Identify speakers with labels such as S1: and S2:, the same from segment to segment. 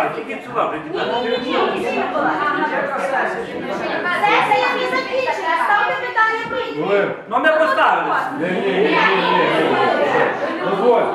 S1: давайте, ідіть сюди,
S2: Сесія не закінчена, ставте питання прийняти.
S1: ну ми поставили.
S3: Ні. Дозволь.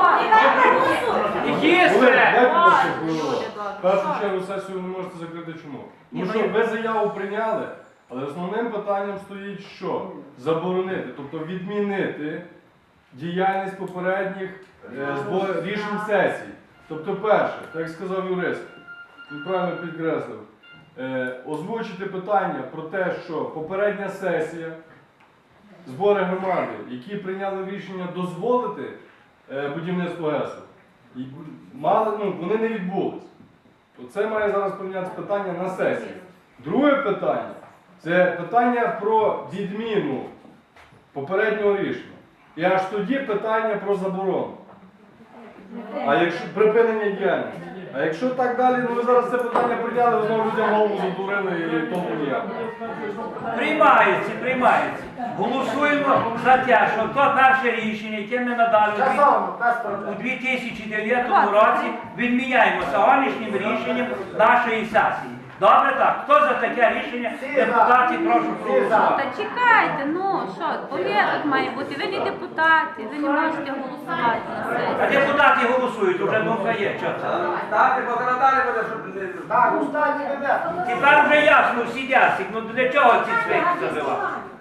S3: В першу чергу сесію ви не можете закрити чому? Тому що ви заяву прийняли, але основним питанням стоїть що? Заборонити, тобто відмінити діяльність попередніх рішень сесії. Тобто перше, так як сказав юрист, він правильно підкреслив, озвучити питання про те, що попередня сесія, збори громади, які прийняли рішення дозволити будівництво ГЕСу, вони не відбулись. Оце має зараз прийнятися питання на сесії. Друге питання – це питання про відміну попереднього рішення. І аж тоді питання про заборону. А якщо припинення діяльності. А якщо так далі, ну ви зараз це питання прийняли, ви знову людям голову задурили і тому ніяк.
S1: Приймається. Голосуємо за те, що то перше рішення, яке ми надали у 2009 році, відміняємо сьогоднішнім рішенням нашої сесії. Добре так? Хто за таке рішення? Депутати, прошу проголосувати.
S4: Та чекайте, ну що, порядок має бути. Ви не депутати, ви не можете голосувати на сесії.
S1: А депутати голосують, вже думка є.
S5: Так, покрадали буде, щоб не... Так, останні веде.
S1: Тепер вже ясно, всі ясні. Ну для чого ці цвинки забивати?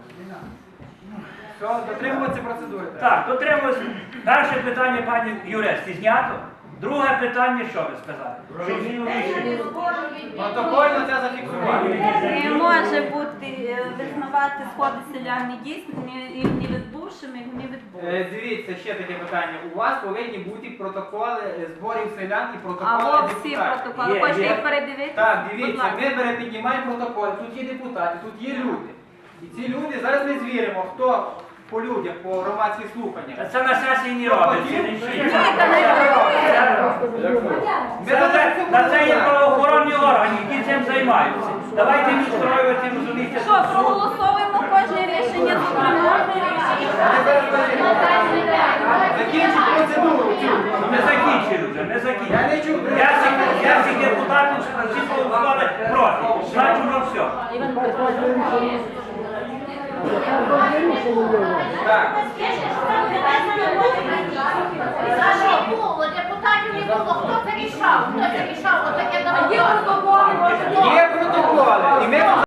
S5: Все, дотримуватися процедури.
S1: Так, дотримуюся. Перше питання, пані юристи, знято. Друге питання, що ви сказали? Що зміну рішення?
S5: Протокольно це зафіксувати.
S4: Не може бути визнавати сходи селян недійсними, не відбувшими, не відбувшими.
S5: Дивіться, ще таке питання. У вас повинні бути протоколи зборів селян і протоколи
S4: Або всі
S5: депутатів.
S4: протоколи. Хочете їх передивитися?
S5: Так,
S4: Будь
S5: дивіться,
S4: ласка.
S5: ми піднімаємо протоколи, тут є депутати, тут є люди. І ці люди, зараз ми звіримо, хто по людях, по громадських слуханнях.
S1: Це на сесії не робиться. На це є правоохоронні органи, які цим займаються. Давайте не строювати, розумієте,
S4: Що, проголосовуємо кожне рішення зокрема?
S5: Закінчимо процедуру.
S1: Ми закінчили вже, ми закінчили.
S5: Я не чув.
S1: Я всіх депутатів всі проголосували проти. Значить, вже все.
S5: Так.
S2: За що було? Депутатів не було. Хто це рішав? Отаке давно.
S5: Є протоколи. І ми